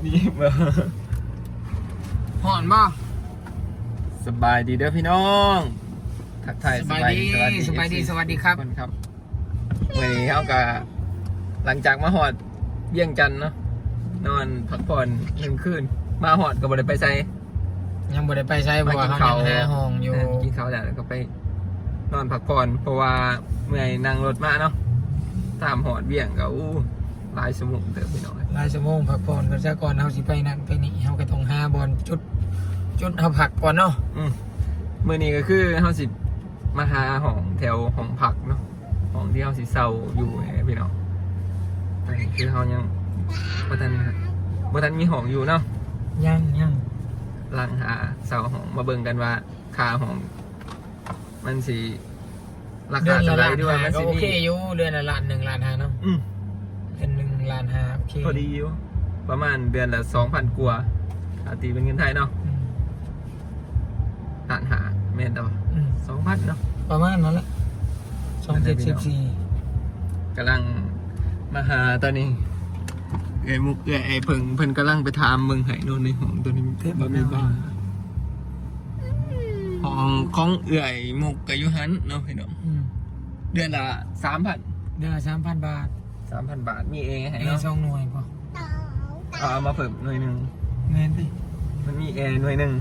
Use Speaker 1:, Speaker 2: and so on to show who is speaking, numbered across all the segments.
Speaker 1: นี่มา
Speaker 2: ห่อนบ่
Speaker 1: สบายดีเด้อพี่น้องทักทาย
Speaker 2: สบายดีสวัสดีครับ
Speaker 1: คนครับวันนี้เขาก็หลังจากมาหอดเยี่ยงจันเนาะนอนพักผ่อน1 คืนมาหอดก็บ่ได้ไปใส่
Speaker 2: ยังบ่ได้ไปใช้เพราะว่าเขายังหาห้องอยู่
Speaker 1: กินข้าวแล้วก็ไปนอนพักผ่อนเพราะว่าเมื่อยนั่งรถมาเนาะตามหอดเบี่ยงก็หลายชั่วโมงเด้อพี่น้อง
Speaker 2: หลายชั่วโมงพักผ่อนกันซะก่อนเฮาสิไปนั่นไปนี่เฮาก็ต้องหาบอลจุดเฮาพักก่อนเนาะ
Speaker 1: มื้อนี้ก็คือเฮาสิมาหาห้องแถวห้องพักเนาะห้องที่เฮาสิเช่าอยู่พี่น้องตอนนี้คือเฮายังบ่ทันมีห้องอยู่เนาะ
Speaker 2: ยัง
Speaker 1: หลังหาเช่าห้องมาเบิ่งกันว่าค่าห้องมันสิราคาเท่าไหร่ด้วยมันสิ
Speaker 2: โอเคอยู่เดือนละ1.5 ล้านเนาะเดือน1.5 ล้านโอเค
Speaker 1: พอดีอยู่ประมาณเดือนละ 2,000 กว่าตีเป็นเงินไทยเนาะหารแม่นต่อ2,000เนาะ
Speaker 2: ประมาณนั้นแหละ2.14
Speaker 1: กำลังมาหาตอนนี้มุกไอ้เพิ่นกำลังไปถามเมืองไห้โน่นในห้องตัวนี้บ่มีบ้านห้องของเอื่อยมุกกับยุหันเนาะพี่น้องเดือนละ 3,000
Speaker 2: เดือนละ 3,000 บาท
Speaker 1: 3,000 บาทมีเองให้เนาะ
Speaker 2: 2 หน่วยป่ะ
Speaker 1: เอามาเพิ่มหน่วยนึง
Speaker 2: แม่นดิ
Speaker 1: มันมีแอร์หน่วยนึง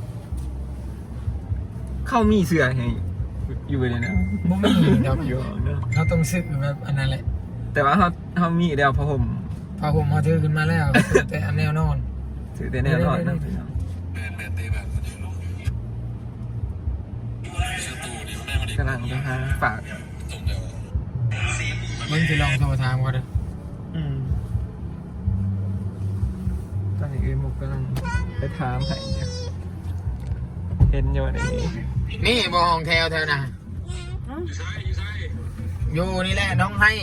Speaker 1: เข้ามีเสื้อให้อยู่เลยนะ
Speaker 2: บ่มีดอก
Speaker 1: อยู่เนาะ
Speaker 2: เขาต้องซื้อแบบอันนั้นแหละ
Speaker 1: แต่ว่าเขามีเดียวผ้าห่ม
Speaker 2: มาถือขึ้นมาแล้วแต่อันแนวนอน
Speaker 1: ถือแต่แนวนอนนะกำลังจะหาฝาก
Speaker 2: มึงจะลองโทรถามก็ได้
Speaker 1: ตอนนี้มุกกำลังไปถามให้เห็นอยู่
Speaker 2: นี่บ่ห้องแถวนะอยู่นี่แหละน้องให้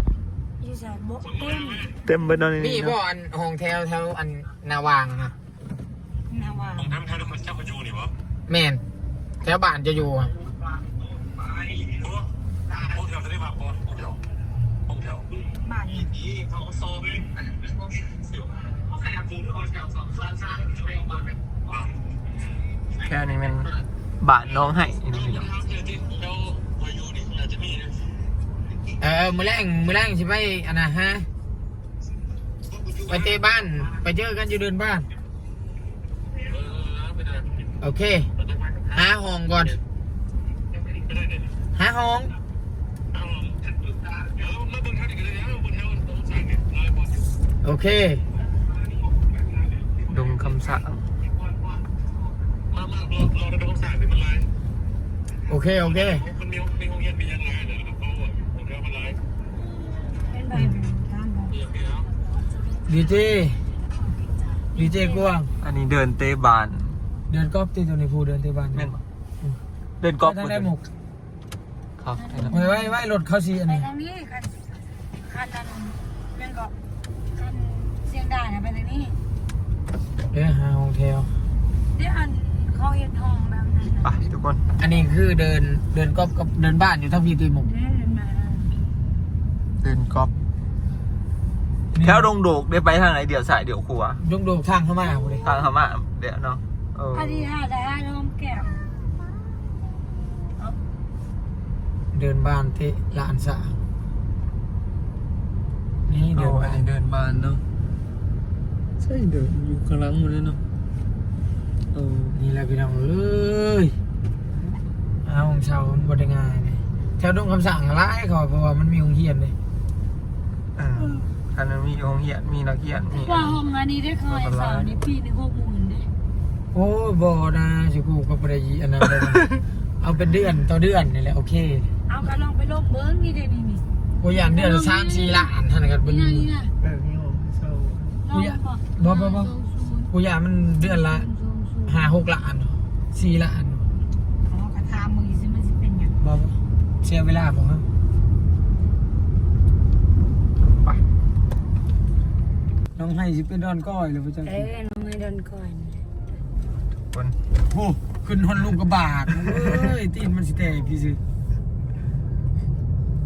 Speaker 1: เต็มไปตอนนี้
Speaker 2: นี่บ่อันห้องแถวอันนาวางนะ
Speaker 3: ห้องแถวทุกคนเจ้าก็อยู่นี่วะ
Speaker 2: แม่นแถวบ้านจะอยู่
Speaker 3: ห้องแถวจะได้มาก่อนห้องแถวบ้านนี้เขาโซ่
Speaker 1: แค่นี้มันบาทน้องให้
Speaker 2: มื้อแรงใช่ไหมอันน่ะฮะไปเตะบ้านไปเจอกันอยู่เดินบ้านโอเคหาห้องก่อนหาห้องโอเค
Speaker 1: ดงคำสั่ง
Speaker 2: โอเคดีเจกวาง
Speaker 1: อันนี้เดินเตะบาน
Speaker 2: เดินกอล์ฟตีตัวในภูเดินเตะบาน
Speaker 1: เดินกอล์ฟ
Speaker 2: ได้หมก
Speaker 1: ครับ
Speaker 2: ไว้รถเขาซีอันนี้
Speaker 4: ไปทางนี้คันนั้นยังก็คันเสียงด่านะไปทางนี้
Speaker 2: หาห้องแถว
Speaker 4: เดี๋ยวอันเขาเห็นห้องแบบนั้น
Speaker 1: ไปทุกคน
Speaker 2: อันนี้คือเดินกอล์ฟกับเดินบ้านอยู่ทั้งพี่ตีหมก
Speaker 1: เดินกอล์ฟแถวดงโดกได้ไปทางไหนเดี๋ยวสายเดี๋ยวครัว
Speaker 2: ดงโดกทางเข้ามาเลย
Speaker 1: ทางเข้ามาเดี๋ยวเนาะ
Speaker 4: พอดีหาได้ลมแก้ม
Speaker 2: เดินบ้านที่ลานสางนี่
Speaker 1: เดินบ้านเนาะใช่เดินอยู่กลางหมดเลยเนาะ
Speaker 2: นี่แหละพี่น้องเอ้ยเอาของชาวบริงานเลยแถวดงคำสั่งร้ายเขาเพราะว่ามันมีโรงเรียนเลย
Speaker 1: อันนั้นมีโรงเรียนมีนักเรียนมี
Speaker 4: ว่าห้องอันนี้ได้เคยสาวนี่พี่1 60,000เลย
Speaker 2: โอ้บ่นะสิกูก็บ่ได้อันนั้นเลยเอาเป็นเดือนต่อเดือนนี่แหละโอเค
Speaker 4: เอาก็ลองไปลบเบิ้งนี่ได้นี่
Speaker 2: กูอยากเดือนละ3-4 ล้านท่านกันบ่
Speaker 4: นี่
Speaker 1: นี่
Speaker 2: กูอยากบ่กูอยากมันเดือนละ5-6 ล้าน4 ล้าน
Speaker 4: กระทำมือสิมันสิเป็นอย่าง
Speaker 2: บ่เสียเวลาผมครับ
Speaker 1: ไป
Speaker 2: น้องให้สิเป็นดอนก้อยหรือเปล่า
Speaker 4: น้องให้ดอนก้อย
Speaker 1: คน
Speaker 2: โอ้ขึ้นฮอนลูกกระบาดตีนมันสิแตกพี่ซื้อ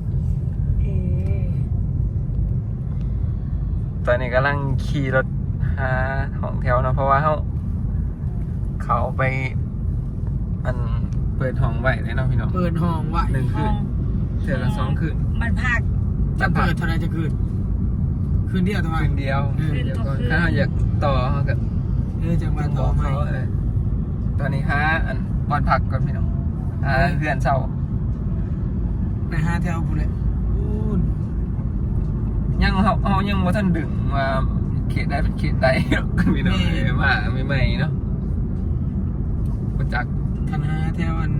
Speaker 1: ตอนนี้กำลังขี่รถหาห้องแถวเนาะเพราะว่าเขาไปอันเปิดห้องไว้เลยเนาะพี่น้อง
Speaker 2: เปิดห้องไว้
Speaker 1: 1 คืนเทื่อละ2 คืน
Speaker 4: มันพัก
Speaker 2: จะเปิดเท่าไรจะคืนคืนเดียวทำไม
Speaker 1: คืนเดียวเดี๋ยวก่อนถ้าเราอยากต่อเขาก็
Speaker 2: จังหวัดต่อไหม
Speaker 1: ตอนนี้หาอันบอลผักก่อนพี่น้องเพื่อนเศร้า
Speaker 2: ไปหาแถวพูดเลยอู้น
Speaker 1: ยังเขายังว่าท่านดึงมาเขตได้เป็นเขตใดหรอกพี่น้องมาใหม่ๆเนาะมาจาก
Speaker 2: คันหาแถวอัน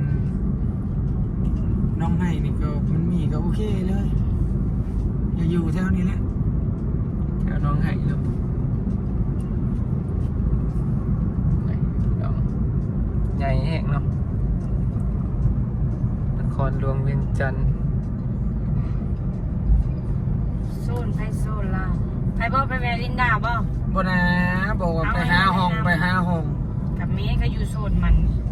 Speaker 2: น้องให้นี่ก็มันมีก็โอเคเลยอย่าอยู่แถวนี้แหละ
Speaker 1: แถวน้องไห้เนาะใหญ่แห้งเนาะนครหลวงเวียงจันทร์
Speaker 4: โซนไปโซนลาวไปบ่ไปแวลินดาบ่
Speaker 2: บ่นะบอกว่าไปหาห้องไปหาห้อง
Speaker 4: กับเมย์ก็อยู่โซนมัน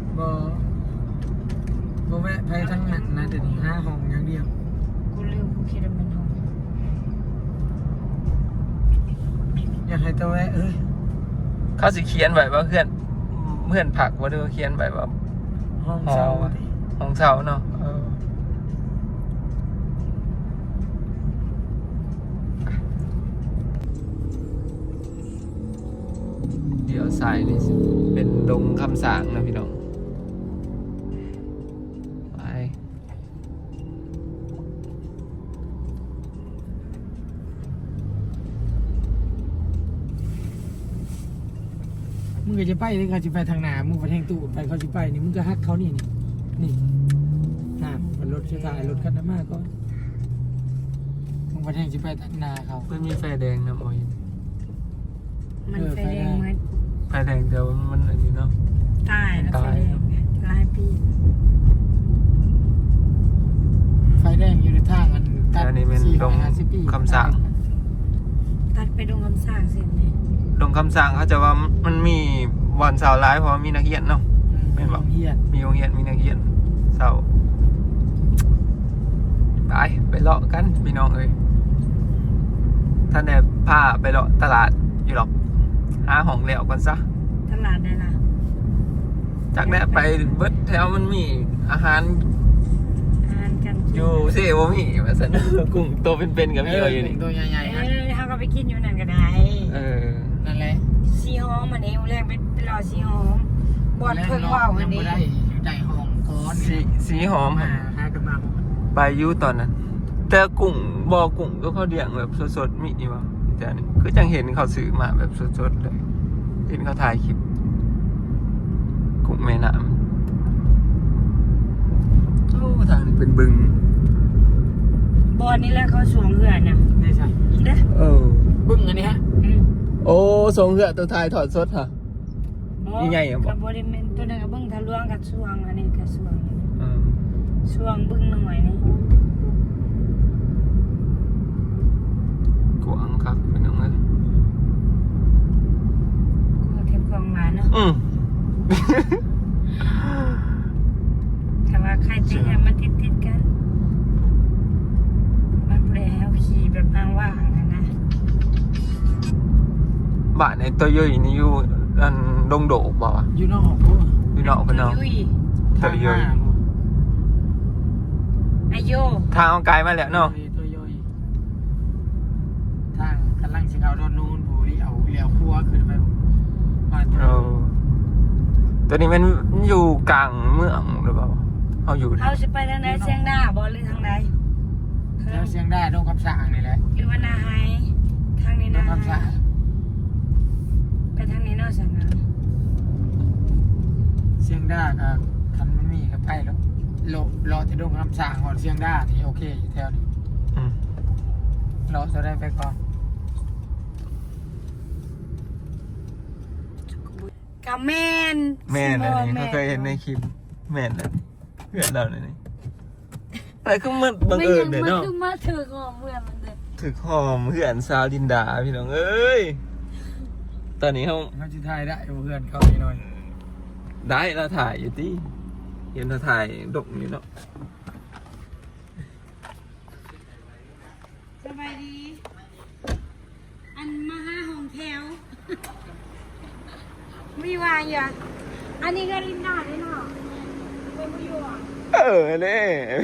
Speaker 2: บ่แวะไปทั้งนั้นนะเดี๋ยวนี้หาห้องอย่างเดียว
Speaker 4: กูลืมกูคิดว่ามันห้อง
Speaker 2: อยากให้ตะแวะเอ้ย
Speaker 1: เขาสิเขียนไว้ว่าเพื่อนผักว่าเด้อเขียนไว้ว่า
Speaker 2: ห้องเช่าดิ
Speaker 1: ของเสาเนาะเดี๋ยวสายนี่เป็นดงคำสางนะพี่น้องไป
Speaker 2: มึงก็จะไปเลยเขาจะไปทางหน้ามึงไปทางตู้ไปเขาจะไปนี่มึงก็ฮักเขานี่มันรถจะถ่ายรถคันนั้นมากก็มึงไปทางจะไปทางหน้าเขา
Speaker 1: มันมีไฟแดงนะมอย
Speaker 4: มันไฟแดงเหมือน
Speaker 1: ไฟแดงเดี๋ยวมันอันนี้เนาะ
Speaker 4: ตายแล้วไฟแดงหลายปี
Speaker 2: ไฟแดงอยู่ในทางอันตัด
Speaker 1: อันนี้เป็นดง
Speaker 2: 450 ปี
Speaker 1: คำสาง
Speaker 4: ตัดไปดงคำสร้างเสร็จเลย
Speaker 1: ดงคำสางเขาจะว่ามันมีวันเสาร์ร้ายเพราะว่ามีนักเรียนเนาะ แม่นบ่
Speaker 2: เฮียน
Speaker 1: มีโรงเรียนมีนักเรียนเสาร์ไปเลาะกันพี่น้องเอ้ยท่านแอบพาไปเลาะตลาดอยู่หรอกหาห้องแล้วกันซะ
Speaker 4: ตลาดได้ละ
Speaker 1: จากนั้นไปเบิดแถวมันมีอาหาร
Speaker 4: อ่านกัน
Speaker 1: อยู่เซ่บ่มีว่าซั่น กุ้งตัวเป็นๆกับพี่อยู่นี่
Speaker 2: ตัวใหญ่ๆนะ
Speaker 4: เขาก็ไปกินอยู่นั่นก็ได้
Speaker 2: นั่นแหละ
Speaker 4: ซีฮอมอันนี้แรกไปรอซีฮอมบอดเพิ่งว่าวอันนี้
Speaker 2: ได้ได้ห้องก้อน
Speaker 1: สีหอม
Speaker 2: หากันมา
Speaker 1: ไปอยู่ตอนนั้น แต่กุ้งบ่อกุ้งก็เขาเลี้ยงแบบสดๆมีนี่วะแต่นี่คือจังเห็นเขาซื้อมาแบบสดๆเลยเห็นเขาถ่ายคลิปกุ้งแม่น้ำโอ้ทางนี้เป็นบึง
Speaker 4: บอดนี่แหละเขาสวมเหือนน่ะ
Speaker 2: ไม่ใช่
Speaker 4: เด้อ
Speaker 2: บึ้งอันนี้ฮะ
Speaker 1: โอ้ทรงเหือตัวถ่ายถอดสดฮะ ยังไงอะบอก
Speaker 4: กับบริเวณตัวนั้นกับเบิ้งทะลวงกับสวงอันนี้กับสวง
Speaker 1: อืม
Speaker 4: สวงเบิ้งหน่อยนี่
Speaker 1: กวางครับเป็นยังไง
Speaker 4: ก็เก็บกองมาเนาะ
Speaker 1: อืม
Speaker 4: แต่ว่าใครจะให้มันติดกันมันเปลี่ยนเอาขี่แบบว่างๆนะ
Speaker 1: บ้านในตัวย่อยนี่อยู่อันดงโดกบอกว่า
Speaker 2: อยู่นอกกู
Speaker 1: อยู่นอกกันเนาะ
Speaker 4: ยุ้ย
Speaker 1: ตัวย่อย
Speaker 4: ไอโย
Speaker 1: ทางเอาไกลมาแล้วเนาะ
Speaker 2: ตัวย่อยทางกำลังสิเขาโดนนูนบุรีเอาเหลียวครัวขึ้นไปบ้าน
Speaker 1: เออตัวนี้มันอยู่กลางเมืองหรือเปล่าเอาอยู่
Speaker 4: เขาจะไปทางไหนเชียงดาบอหรือทางไหน
Speaker 2: แล้วเสียงได้โดนคำสั่งนี่แหละ
Speaker 4: หรือว่านาไฮทางนี้
Speaker 2: โด
Speaker 4: นะ
Speaker 2: นคำสั่ง
Speaker 4: ไปทางนี้เนาะสังนะ
Speaker 2: เสียงได้ก็คันมันมีก็ไปแล้วรอจะโดนคำสั่งก่อนเสียงได้นี่โอเคอยู่แถวนี้
Speaker 1: อืม
Speaker 2: รอจะได้ไปก่อน
Speaker 4: กับแม่น
Speaker 1: แม่นอันนี้เขาเคยเห็นในคลิปแม่นอันนี้เพื่อนเราเนี่ยนี่อะไรก็มันบังเอิญเนี่ยเนาะ
Speaker 4: มันคือมาถือของเมื่อมันเด้อ
Speaker 1: ถึกหอมเพื่อนสาวดินดาพี่น้องเอ้ยตอนนี้เขา
Speaker 2: เขาจะถ่ายได้เพื่อนเขาหน่อย
Speaker 1: ได้เราถ่ายอยู่ที่เห็นเราถ่ายดกนี่เนาะ
Speaker 4: สบายดี อันมาห้าห้องแถวอยู่อ่ะอยู่อ่ะอันนี้ก็ลินดาได้เนาะเป็นผู้อยู่อ่ะ
Speaker 1: นี่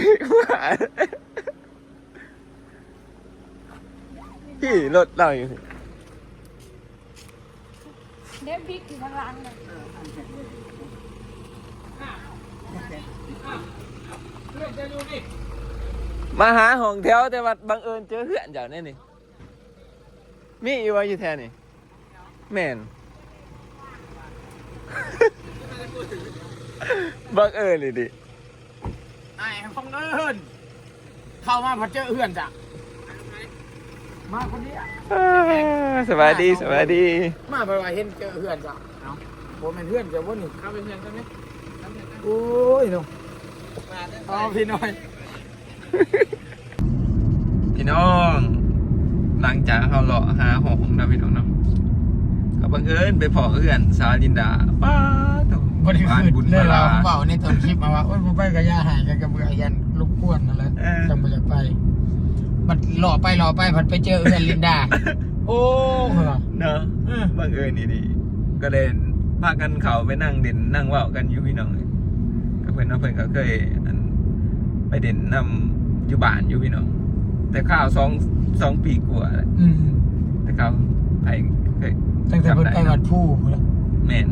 Speaker 1: พี่รถเราอยู่
Speaker 4: เดฟบิ๊กอยู่ข้างหลังเลย
Speaker 1: มาหาห้องแถวแต่ว่าบังเอิญเจอเพื่อนเจ้าเนี่ยนี่มีอยู่ว่าอยู่แถวนี่แม่น บังเอิญเลยดิ
Speaker 2: ไอ้ของเอิญเข้ามาพอเจอเพื่อนจ้ะมาคนนี้
Speaker 1: สบายดีสบายดี
Speaker 2: มาไปว่าเห็นเจอเพื่อนจ้ะเอาผมเป็นเพื่อนเจ้าบ่นี่เข้าเป็นเพื่อนกันไหมโอ้ยน้องเอาพี่น้อย
Speaker 1: พี่น้องหลังจากเขาเลาะหาห้องนะพี่น้องเนาะก็บังเอิญไปพอเพื่อนสาวลินดาป้าตรง
Speaker 2: บ่ได้
Speaker 1: บ้าน
Speaker 2: ขึ้น
Speaker 1: บุญ
Speaker 2: เล
Speaker 1: พ
Speaker 2: ย
Speaker 1: ลา
Speaker 2: เราเบาในตอนคลิปมาว่าโอ้ยบ่ไปกับย่าหายกันกับเบื่อยันรบกวนนั่นแหละจังบ่อยากไปมันหล่อไปผัดไปเจอเพื่อนลินดาโอ้เหรอ
Speaker 1: เนาะบังเอิญนี่ดีก็เลยพากันเขาไปนั่งเด่นนั่งเว่ากันอยู่พี่น้องก็เพื่อนเพื่อนก็เคยไปเด่นนำอยู่บ้านอยู่พี่น้องแต่ข้าวสองปีกว่าแล้ว แต่เขาไปเคย
Speaker 2: ตั้งแต่เพิ่นไปวัดผู้แล้ว
Speaker 1: แมน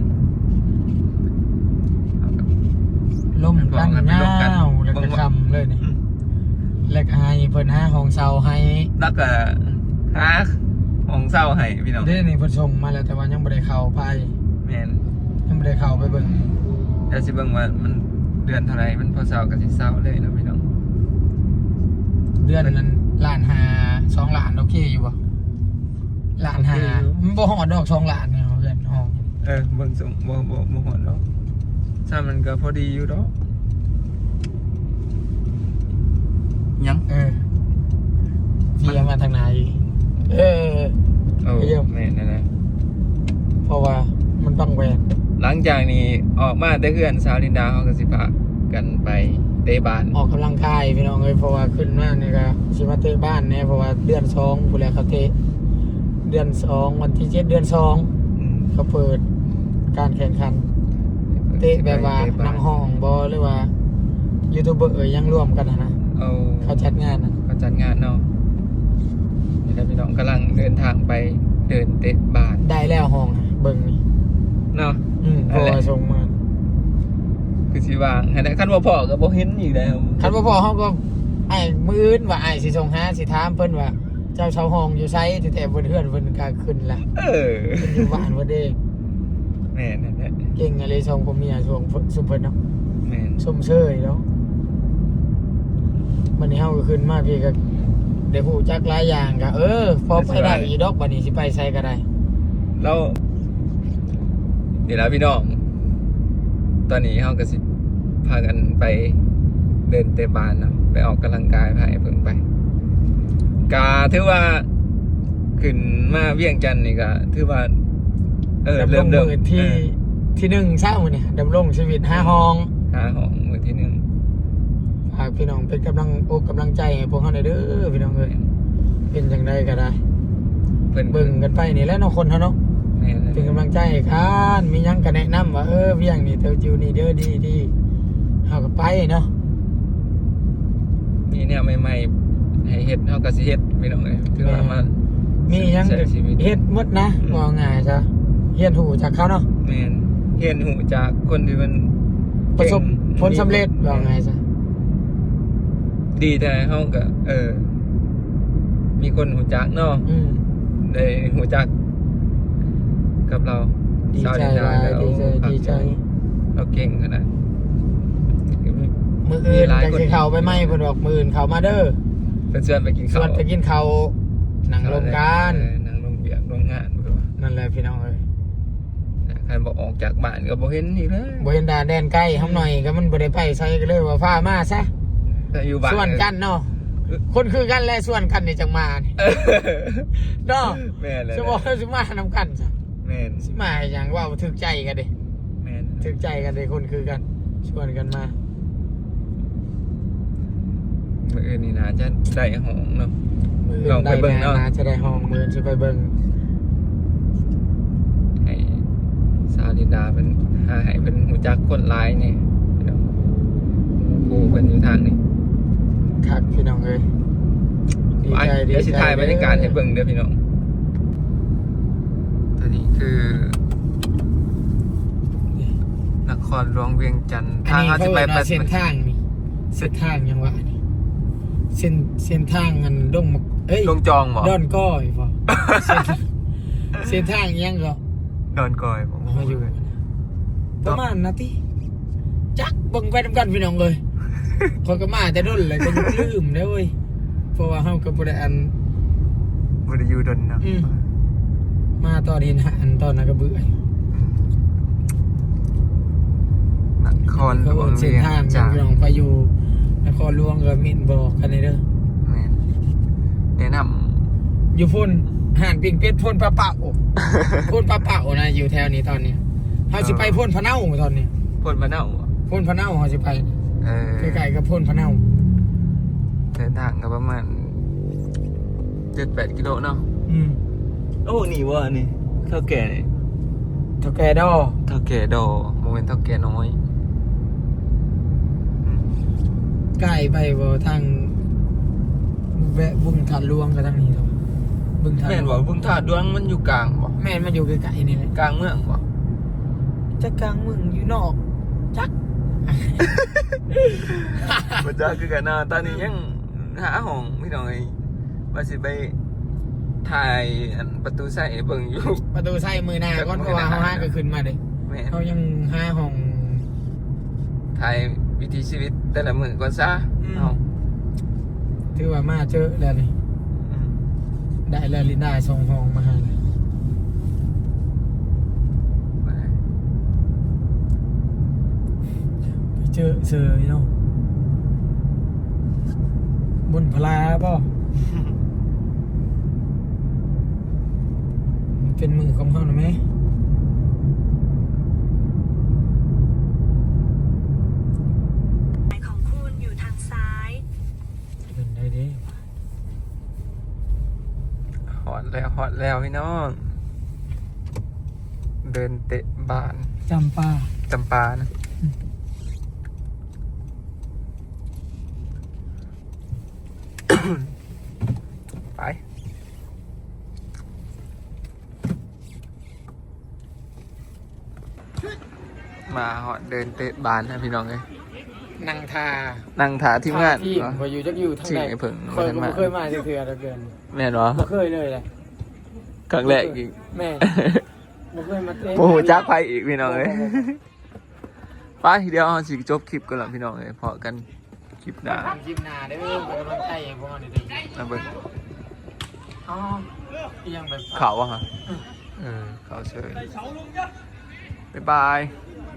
Speaker 2: ล่มกันยาวแล้วก็คำเลยนี่แล้วก็ให้เพิ่นหาห้องเช่าให้
Speaker 1: แล้วก็หาของเศร้าให้พี่น้อง
Speaker 2: เด้นี่เพิ่นส่งมาแล้วแต่ว่ายังบ่ได้เข้าไป
Speaker 1: แมน
Speaker 2: ยังบ่ได้เข้าไปเบิ่ง
Speaker 1: เดี๋ยวสิเบิ่งว่ามันเดือนเท่าไรมันพอเศร้ากับสิเศร้าเลยนะพี่น้อง
Speaker 2: เดือนนั้นล้าน5 2ล้านโอเคอยู่บ่ล้าน5มันบ่ฮอดดอก2ล้านเนี่ยเพื่อนห้อง
Speaker 1: เบิ่งส่งบ่หอดดอกถ้ามันก็พอดีอยู่ดอกยัง
Speaker 2: พี่มาทางไหนเยี่ยม
Speaker 1: แม่นนั่นแหละ
Speaker 2: เพราะว่ามันต้องแหวน
Speaker 1: หลังจากนี้ออกมาได้เพื่อนสาวลินดาเขาก็สิพากันไปเตะบาน
Speaker 2: ออกกำลังกายพี่น้องเอ้ยเพราะว่าขึ้นมานี่ก็สิมาเตะบ้านแน่เพราะว่าเดือน2ผู้แลเขาเตะเดือน2วันที่7เดือน2เขาเปิดการแข่งขันเตะแบบว่านังห้องบ่หรือว่ายูทูบเบอร์ยังร่วมกันนะเขาจัดงานนะ
Speaker 1: เขาจัดงานเนาะนี่แหละพี่น้องกำลังเดินทางไปเดินเตะบาน
Speaker 2: ได้แล้วห้องอะเบิ่งนี่
Speaker 1: เนาะ
Speaker 2: เพราะว่าส่งมา
Speaker 1: คือสิวางให้ได้คันว่าพ่อก็บ่เห็นอีกแล้ว
Speaker 2: คันบ่พอเฮาก็ไอ้มื้ออื่นว่าไอ้สิส่งหาสิถามเพิ่นว่าเจ้าเช่าห้องอยู่ไสแต่เพิ่นเฮือนเพิ่นก็ขึ้นละ
Speaker 1: เออ
Speaker 2: เพิ่นอยู่บ้านบ่เด้
Speaker 1: แม่นนั่นแหละ
Speaker 2: เก่งอะไรส่งผมเมียส่งซุมเพิ่นเนาะ
Speaker 1: แม่น
Speaker 2: สมเชยเนาะบัดนี้เฮาก็ขึ้นมาพี่ก็ได้ฮู้จักหลายอย่างก็พอไปได้อีดอกบัดนี้สิไปไสก็ได้
Speaker 1: แล้วนี่ล่ะพี่น้อง ตอนนี้เฮาก็สิพากันไปเดินเตะบานเนาะไปออกกำลังกายพาเพิ่งไปกาถือว่าขึ้นมาเวียงจันทน์นี่ก็ถือว่า
Speaker 2: ดำรงมือที่1เช้ามื้อนี้ดำรงชีวิต5ห้อง
Speaker 1: หาห้องมือที่หนึ่ง
Speaker 2: ฝากพี่น้องเป็นกำลังใจให้พวกเฮาหน่อยเด้อพี่น้องเอ้ยเป็นจังไดก็ได้
Speaker 1: เพิ่น
Speaker 2: เบิ่งกันไปนี่แหล้วเนาะคนเฮาเนาะ
Speaker 1: แม่น
Speaker 2: เป็นกำลังใจให้กันมีหยังก็แนะนำว่าเวียงนี่เตอจิวนี่เด้อดีเฮาก็ไปเนาะ
Speaker 1: มีแนวใหม่ๆให้เฮ็ดเฮาก็สิเฮ็ดพี่น้องเอ้ยถือว่ามัน
Speaker 2: มีหยัง
Speaker 1: ใช้ชีวิต
Speaker 2: เฮ็ดหมดนะว่าง่ายจ้ะเฮียนหูจากเขาเนาะ
Speaker 1: แม่นเห็นหูจากคนที่มัน
Speaker 2: ประสบ
Speaker 1: เก่ง
Speaker 2: ผลสำเร็จว่าง่ายจ้ะ
Speaker 1: ดีแต่เฮาก็มีคนหูจักเนาะได้หูจักกับเรา
Speaker 2: ดี
Speaker 1: ชาว
Speaker 2: ใจ
Speaker 1: ดิน
Speaker 2: หลาย
Speaker 1: ดา
Speaker 2: ดีใจ
Speaker 1: เราเก่งขนาด
Speaker 2: มื้ออื่น
Speaker 1: หลาย
Speaker 2: จัง
Speaker 1: คน
Speaker 2: สิเข้าไปไหมเพิ่นบอกมื้ออื่นเข้ามาเด้อ
Speaker 1: เพิ่นชวนไปกิน
Speaker 2: ช
Speaker 1: ข้าว
Speaker 2: วนไปกินข้าวหนังโรงการ
Speaker 1: นั่งลงเบียกลงงานบ่ว่า
Speaker 2: นั่นแหละพี่น้องเอ้ย
Speaker 1: ใครบ่ออกจากบ้านก็บ่เห็นอีกเลย
Speaker 2: บ่เห็นดาแดนใกล้เฮาหน่อยก็มันบ่ได้ไปใส่ก็เลยว่าฟ้ามาซะ
Speaker 1: แต่อยู่บ้าน
Speaker 2: ส่วนกันเนาะคนคือกันและส่วนกันนี่จังมานี่เนาะ
Speaker 1: แม่นเลย
Speaker 2: สมมุติสิมานำกันซะ
Speaker 1: แม่น
Speaker 2: สิมาอย่างว่าถึกใจกันเด้
Speaker 1: แม่น
Speaker 2: ถึกใจกันเด้คนคือกันชวนกันมา
Speaker 1: มื้ออื่นนี่น่าจะได้ห้องเนาะ
Speaker 2: มื้อ
Speaker 1: ลองไปเบิ่งเนาะ
Speaker 2: จะได้ห้องมื้อสิไปเบิ่ง
Speaker 1: ให้สาวลินดาเป็นหาให้เป็นหูจักคนร้ายเนี่ยพี่น้องผู้เป็นอยู่ทางนี้
Speaker 2: คักพี่น้องเอ้ยดี
Speaker 1: ไป
Speaker 2: ใจดี
Speaker 1: เดี๋ยวสิ
Speaker 2: ใจ
Speaker 1: ถ่ายบรรยากาศให้เบิ่งเด้อพี่น้องตัวนี้คือนครหลวงเวียงจันทร์
Speaker 2: อันนี้
Speaker 1: เขา
Speaker 2: เขา
Speaker 1: จะไป
Speaker 2: เรียกว่าเส้นทางนี่เส้นทางยังวะนี่เส้นทางมันดงมักเอ้ย
Speaker 1: ลงจองบ่
Speaker 2: ดอนก้อยป่ะเส้นทางยังก็
Speaker 1: ดอนกอยผม
Speaker 2: มาอยู่ประมาณนาทีจักเบิ่งไปนำกันพี่น้องเลยคนก็มาแต่ด้นเลยก็ยังลืมได้เว้ยเพราะว่าเฮาก็บ่ได้อัน
Speaker 1: บ่ได้อยู่ดอนนะ
Speaker 2: มาตอนเห็นอันตอนนั้นก็เบื่อน
Speaker 1: ครหลวง
Speaker 2: เส้
Speaker 1: เวี
Speaker 2: น
Speaker 1: ยง
Speaker 2: ทาง
Speaker 1: จันท
Speaker 2: พี่น้อง
Speaker 1: ร์
Speaker 2: ไปอยู่นครหลวงก็มินบอกกันเลยเด้อ
Speaker 1: แม่นแนะน
Speaker 2: อยู่พ่นห่านปิงเป็ดพ่นปลาเป่าพ่นปลาเป่านะอยู่แถวนี้ตอนนี้เฮาสิไปพ่นพะเนาตอนนี้
Speaker 1: ำพ่นมะนาวบ่
Speaker 2: พ่นพะเนาเฮาสิไป ใกล้ๆกับพ่นพะเนา
Speaker 1: เดินทางก็ประมาณ 7-8 กิโลเนาะ โอ้นี่ว่านี่เท่าแก่นี่
Speaker 2: เท่าแกดอ
Speaker 1: เท่าแก่ดอโมเมนต์เท่าแก่น้อย
Speaker 2: ใกล้ไปบ่ทางแวะบึงทันหลวงก็ทางนี้ครับบึงทัน
Speaker 1: แม่นบ่บึงธาตุดวงมันอยู่กลางบ่
Speaker 2: แม่นมันอยู่ใกล้ๆนี่แหละ
Speaker 1: กลางเมืองบ่
Speaker 2: จะกลางเมึงอยู่นอกจัก
Speaker 1: บ่จักคือกันนะตอนนี้ยังหาห้องพี่น้องไอ้ว่าสิไปถ่ายอันประตูใส่เบิ่งอยู่
Speaker 2: ประตูใส่มือหน้าก่อนเพราะว่าเฮาหาก็ขึ้นมาเด้
Speaker 1: แม่น
Speaker 2: เฮายังหาห้อง
Speaker 1: ถ่ายวิถีชีวิตแต่ละมื้อก่อนซะ
Speaker 2: อืม
Speaker 1: เนาะ
Speaker 2: ถือว่ามาเจอแล้วนี่
Speaker 1: อืม
Speaker 2: ได้แล้วลินได้ส่งห้องมาให้เลย
Speaker 1: ไป
Speaker 2: ไปเจอเซอเนาะบนพลาป่ะมันเป็นมือของเขาหรือไหม
Speaker 4: ของคุณอยู่ทางซ้าย
Speaker 2: เป็นได้เด้
Speaker 1: ฮอดแล้วพี่น้อง เดินเตะบาน
Speaker 2: จำปา
Speaker 1: จำปานะ ไปมาหอดเดินเตะบานนะพี่น้องเลย
Speaker 2: นังทา
Speaker 1: นั่งถาทีมงาน
Speaker 2: ที่พออยู่จักอยู่ทาง
Speaker 1: ชื่อ
Speaker 2: ไหน
Speaker 1: ไอ้เพิ่ง
Speaker 2: เคยบ่เคยมาเถื่อๆเกิน
Speaker 1: แม่นวะ
Speaker 2: บ่เคยเลยแหละ
Speaker 1: ครั้งแรกอีก
Speaker 2: แม่บ่เคยมาเตะ
Speaker 1: โอ้โหจักไปอีกพี่น้องเลยไปเดี๋ยวเราสิจบคลิปกันแล้วพี่น้องเลยพอกันคลิปหน้า
Speaker 2: ทำคลิปหน้าเด้อเป็นกำลังใจให้พวกเราเด้อ
Speaker 1: นะเบิ้ง
Speaker 2: อ๋ออีหยังแบบ
Speaker 1: ข่าววะฮะเขาเฉยบ๊ายบาย
Speaker 2: บ